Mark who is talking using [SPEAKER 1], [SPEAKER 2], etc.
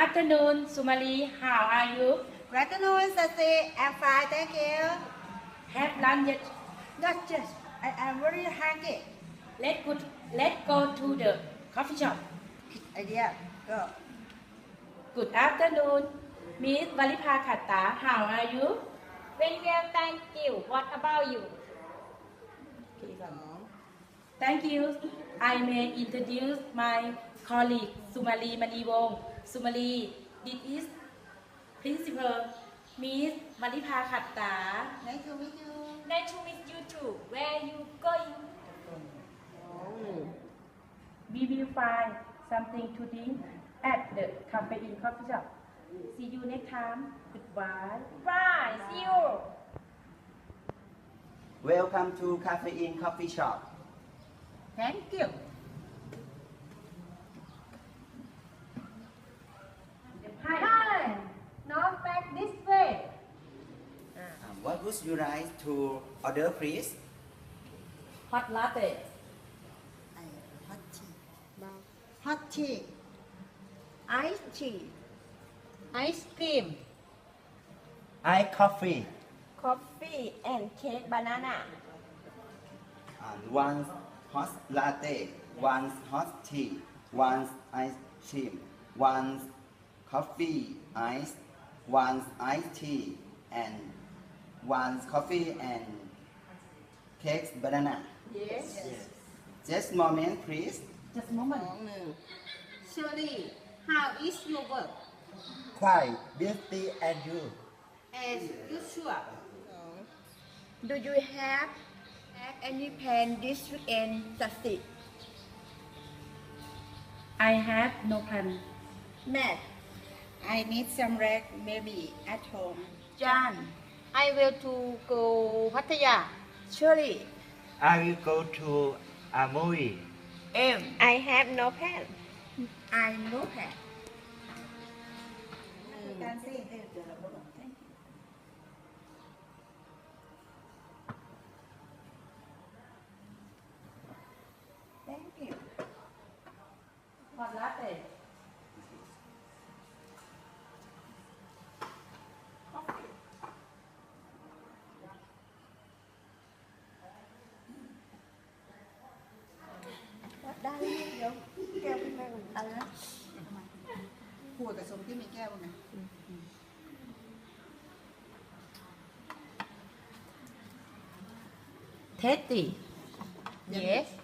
[SPEAKER 1] afternoon, Sumali. How are you?
[SPEAKER 2] Good afternoon, Sasi. I'm fine, thank you.
[SPEAKER 1] Have lunch yet?
[SPEAKER 2] Not just, I am very hungry.
[SPEAKER 1] Let's go to the coffee shop.
[SPEAKER 2] Idea, go.
[SPEAKER 1] Good afternoon, Miss Valipha Khatta. How are you?
[SPEAKER 3] Very well, thank you. What about you?
[SPEAKER 1] Thank you. I may introduce my colleague Sumali Maniwong. Sumali, this is Principal Miss Valipha Khatta.
[SPEAKER 2] Nice to meet you.
[SPEAKER 3] Nice to meet you too. Where are you going?
[SPEAKER 1] We will find something to drink at the Cafe-in coffee shop. See you next time. Goodbye.
[SPEAKER 3] Bye. See you.
[SPEAKER 4] Welcome to Cafe-in Coffee Shop.
[SPEAKER 2] Thank you.
[SPEAKER 3] Hi. Now back this way.
[SPEAKER 4] What would you like to order, please?
[SPEAKER 1] Hot latte.
[SPEAKER 2] Hot tea. Hot tea. Iced tea.
[SPEAKER 3] Ice cream.
[SPEAKER 4] Iced coffee.
[SPEAKER 3] Coffee and cake banana.
[SPEAKER 4] And one hot latte, one hot tea, one ice cream, one coffee ice, one iced tea, and one coffee and cake banana.
[SPEAKER 3] Yes.
[SPEAKER 4] Just a moment, please.
[SPEAKER 1] Just a moment.
[SPEAKER 2] Shirley, how is your work?
[SPEAKER 4] Quite busy and you.
[SPEAKER 2] As usual. Do you have any plan this weekend, Sasi?
[SPEAKER 1] I have no plan.
[SPEAKER 2] Matt, I need some rest, maybe at home.
[SPEAKER 3] John, I will to go Pattaya.
[SPEAKER 2] Shirley,
[SPEAKER 5] I will go to a movie.
[SPEAKER 3] I have no plan.
[SPEAKER 2] I know that. Thank you.
[SPEAKER 1] Hot latte.
[SPEAKER 2] Đây, vô. Kêu bên đây. Đó. ขวดกับสมที่มีแก้วนะ
[SPEAKER 1] Tasty.
[SPEAKER 3] Yes.